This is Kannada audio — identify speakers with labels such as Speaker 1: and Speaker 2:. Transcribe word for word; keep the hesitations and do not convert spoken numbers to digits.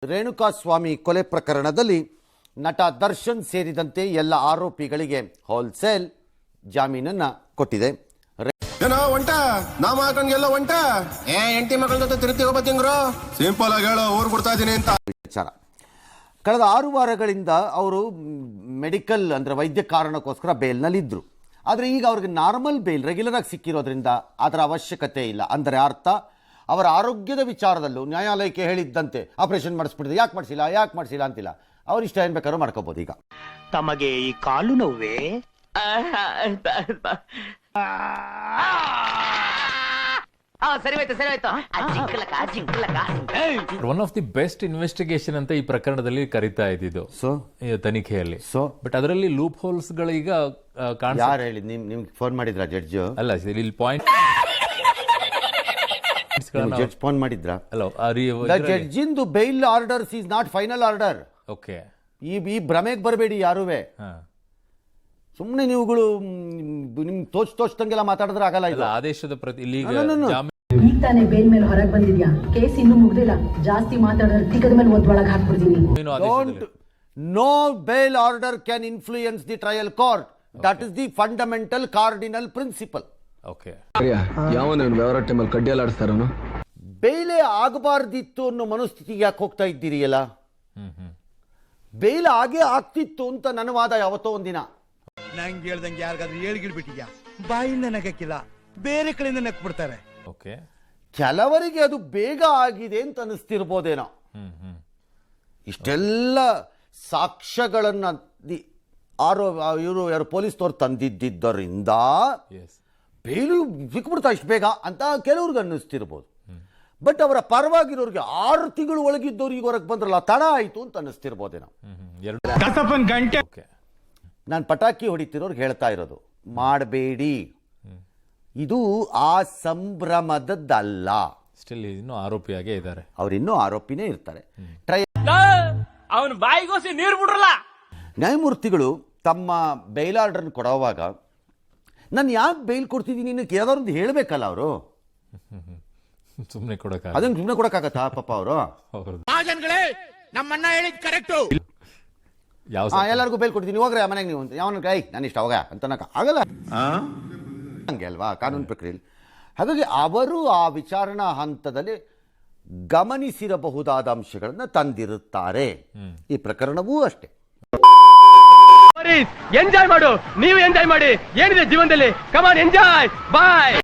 Speaker 1: ರೇಣುಕಾಸ್ವಾಮಿ ಕೊಲೆ ಪ್ರಕರಣದಲ್ಲಿ ನಟ ದರ್ಶನ್ ಸೇರಿದಂತೆ ಎಲ್ಲ ಆರೋಪಿಗಳಿಗೆ ಹೋಲ್ಸೇಲ್ ಜಾಮೀನನ್ನ ಕೊಟ್ಟಿದೆ.
Speaker 2: ಏನೋ ಒಂಟ ನಾ ಮಾಕಂಗೆಲ್ಲ ಒಂಟ ಏ ಎಂಟಿ ಮಕ್ಕಳ ಜೊತೆ ತಿರುತಿ ಹೋಗ್ಬತ್ತಿಂಗ್ರು ಸಿಂಪಲ್ ಆಗಿ ಹೇಳೋ ಊರ್ ಬಿಡ್ತಾ ಇದೀನಿ ಅಂತ
Speaker 1: ವಿಚಾರ. ಕಳೆದ ಆರು ವಾರಗಳಿಂದ ಅವರು ಮೆಡಿಕಲ್ ಅಂದರೆ ವೈದ್ಯ ಕಾರಣಕ್ಕೋಸ್ಕರ ಬೇಲ್ನಲ್ಲಿದ್ದರು. ಆದರೆ ಈಗ ಅವ್ರಿಗೆ ನಾರ್ಮಲ್ ಬೇಲ್ ರೆಗ್ಯುಲರ್ ಆಗಿ ಸಿಕ್ಕಿರೋದ್ರಿಂದ ಅದರ ಅವಶ್ಯಕತೆ ಇಲ್ಲ. ಅಂದರೆ ಅರ್ಥ ಅವರ ಆರೋಗ್ಯದ ವಿಚಾರದಲ್ಲೂ ನ್ಯಾಯಾಲಯಕ್ಕೆ ಹೇಳಿದ್ದಂತೆ ಆಪರೇಷನ್ ಮಾಡಿಸ್ಬಿಟ್ಟಿದೆ, ಯಾಕೆ ಮಾಡಿಸಿಲ್ಲ ಯಾಕೆ ಮಾಡಿಸಿಲ್ಲ ಅಂತಿಲ್ಲ, ಅವ್ರು ಇಷ್ಟ ಏನು ಬೇಕಾದ್ರೂ ಮಾಡ್ಕೋಬೋದು. ಈಗ
Speaker 3: ತಮಗೆ ಈ ಕಾಲು ನೋವೇ?
Speaker 4: One of the best investigation ಅಂತ ಈ ಪ್ರಕರಣದಲ್ಲಿ ಕರೀತಾ ಇದ್ದಿದ್ದು
Speaker 1: ಸೊ
Speaker 4: ತನಿಖೆಯಲ್ಲಿ.
Speaker 1: ಸೊ
Speaker 4: ಬಟ್ ಅದರಲ್ಲಿ ಲೂಪ್ ಹೋಲ್ಸ್ ಗಳೀಗ
Speaker 1: ಯಾರು ಹೇಳಿ ನಿಮ್ ನಿಮ್ಗೆ ಫೋನ್ ಮಾಡಿದ್ರ ಜಡ್ಜ್?
Speaker 4: ಅಲ್ಲ, ಇಲ್ಲಿ ಪಾಯಿಂಟ್
Speaker 1: ಜಡ್ಜ್ ಫೋನ್ ಮಾಡಿದ್ರ?
Speaker 4: ಅಲ್ಲ,
Speaker 1: ಜಡ್ಜಿಂದು bail orders is not final order.
Speaker 4: Okay,
Speaker 1: ಈ ಈ ಭ್ರಮೆಗೆ ಬರಬೇಡಿ ಯಾರುವೆ. ಸುಮ್ಮನೆ ನೀವುಗಳು ನಿಮ್ಗೆ ತೋಚ್ ತೋಚ್ದಂಗೆಲ್ಲ ಮಾತಾಡಿದ್ರೆ ಆಗಲ್ಲ. ಇಲ್ಲ,
Speaker 4: ಆದೇಶದ ಪ್ರತಿ ಇಲ್ಲಿ
Speaker 5: ಈಗ ತಾನೇ ಬೇಲ್ ಮೇಲೆ ಹೊರಗೆ ಬಂದಿದ್ಯಾ, ಕೇಸ್ ಇನ್ನೂ ಮುಗ್ದಿಲ್ಲ, ಜಾಸ್ತಿ ಮಾತಾಡೋರು ಟಿಕದ ಮೇಲೆ ಒಳಗೆ ಹಾಕ್ಬಿಡ್ತೀನಿ.
Speaker 1: Don't know bail order can influence the trial court. That is the fundamental cardinal principle.
Speaker 4: Okay,
Speaker 2: ಯಾವನ ವ್ಯವಹಾರ ಟೈಮಲ್ಲಿ ಕಡ್ಡಿಯಲ್ಲಾಡಿಸ್ತಾರನು
Speaker 1: ಬೇಲೆ ಆಗಬಾರ್ದಿತ್ತು ಅನ್ನೋ ಮನಸ್ಥಿತಿಗೆ ಯಾಕೆ ಹೋಗ್ತಾ ಇದ್ದೀರಿ? ಎಲ್ಲ ಬೇಲ್ ಆಗೇ ಆಗ್ತಿತ್ತು ಅಂತ ನನ್ನ ವಾದ ಯಾವತ್ತೋ ಒಂದಿನ.
Speaker 6: ನಂಗೆ ಹೇಳ್ದಂಗೆ ಯಾರಿಗಾದ್ರೂ ಹೇಳ್ಗಿಡ್ಬಿಟ್ಟಿದ್ಯಾ, ಬಾಯಿಂದ ನಗಕ್ಕಿಲ್ಲ, ಬೇರೆ ಕಡೆಯಿಂದ ನಕ್ ಬಿಡ್ತಾರೆ.
Speaker 4: ಓಕೆ,
Speaker 1: ಕೆಲವರಿಗೆ ಅದು ಬೇಗ ಆಗಿದೆ ಅಂತ ಅನಿಸ್ತಿರ್ಬೋದೇನೋ. ಇಷ್ಟೆಲ್ಲ ಸಾಕ್ಷ್ಯಗಳನ್ನ ಆರೋ ಇವರು ಯಾರು ಪೊಲೀಸ್ನವ್ರು ತಂದಿದ್ದರಿಂದ ಬೇಲು ಸಿಕ್ಬಿಡ್ತಾ ಇಷ್ಟು ಬೇಗ ಅಂತ ಕೆಲವ್ರಿಗೆ ಅನ್ನಿಸ್ತಿರ್ಬೋದು. ಬಟ್ ಅವರ ಪರವಾಗಿರೋರಿಗೆ ಆರು ತಿಂಗಳು ಒಳಗಿದ್ದವ್ರು ಈಗ ಹೊರಗೆ ಬಂದ್ರಲ್ಲ, ತಡ ಆಯಿತು ಅಂತ ಅನ್ನಿಸ್ತಿರ್ಬೋದೇನೋ. ನಾನು ಪಟಾಕಿ ಹೊಡಿತಿರೋರ್ಗೆ ಹೇಳ್ತಾ ಇರೋದು, ಮಾಡಬೇಡಿ, ಇದು ಆ ಸಂಭ್ರಮದಲ್ಲ.
Speaker 4: ಸ್ಟಿಲ್ ಇನ್ನೂ ಆರೋಪಿಯಾಗೇ ಇದ್ದಾರೆ,
Speaker 1: ಅವರಿನ್ನೂ ಆರೋಪಿನೇ ಇರ್ತಾರೆ. ಟ್ರೈ
Speaker 3: ಅವನು ಬಾಯಿಗೋಸಿ ನೀರು ಬಿಡ್ರಲ್ಲ.
Speaker 1: ನ್ಯಾಯಮೂರ್ತಿಗಳು ತಮ್ಮ ಬೇಲ್ ಆರ್ಡರ್ ಕೊಡುವಾಗ ನಾನು ಯಾಕೆ ಬೇಲ್ ಕೊಡ್ತಿದ್ದೀನಿ ಇನ್ನಕ್ಕೆ ಯಾವ್ದಾದ್ರು ಹೇಳಬೇಕಲ್ಲ ಅವರು.
Speaker 4: ಸುಮ್ಮನೆ ಕೊಡಕ
Speaker 1: ಅದನ್ನ ಸುಮ್ಮನೆ ಕೊಡಕ್ಕಾಗತ್ತಾ ಪಾಪ ಅವರು?
Speaker 6: ನಮ್ಮಣ್ಣ ಹೇಳಿದ್ ಕರೆಕ್ಟು.
Speaker 4: ಯಾವ
Speaker 1: ಎಲ್ಲರಿಗೂ ಬೇಲ್ ಕೊಡ್ತೀನಿ, ಹೋಗ್ರೆ ಮನೆಗೆ ನೀವು ಅಂತ ಯಾವನ ಕೈ ನಾನು ಇಷ್ಟ ಹೋಗ ಅಂತ ಆಗಲ್ಲ, ಹಂಗೆ ಅಲ್ವಾ ಕಾನೂನು ಪ್ರಕ್ರಿಯೆಯಲ್ಲಿ. ಹಾಗಾಗಿ ಅವರು ಆ ವಿಚಾರಣಾ ಹಂತದಲ್ಲಿ ಗಮನಿಸಿರಬಹುದಾದ ಅಂಶಗಳನ್ನು ತಂದಿರುತ್ತಾರೆ. ಈ ಪ್ರಕರಣವೂ ಅಷ್ಟೇ.
Speaker 3: ಎಂಜಾಯ್ ಮಾಡು, ನೀವು ಎಂಜಾಯ್ ಮಾಡಿ, ಏನಿದೆ ಜೀವನದಲ್ಲಿ, ಕಮಾನ್ ಎಂಜಾಯ್, ಬಾಯ್.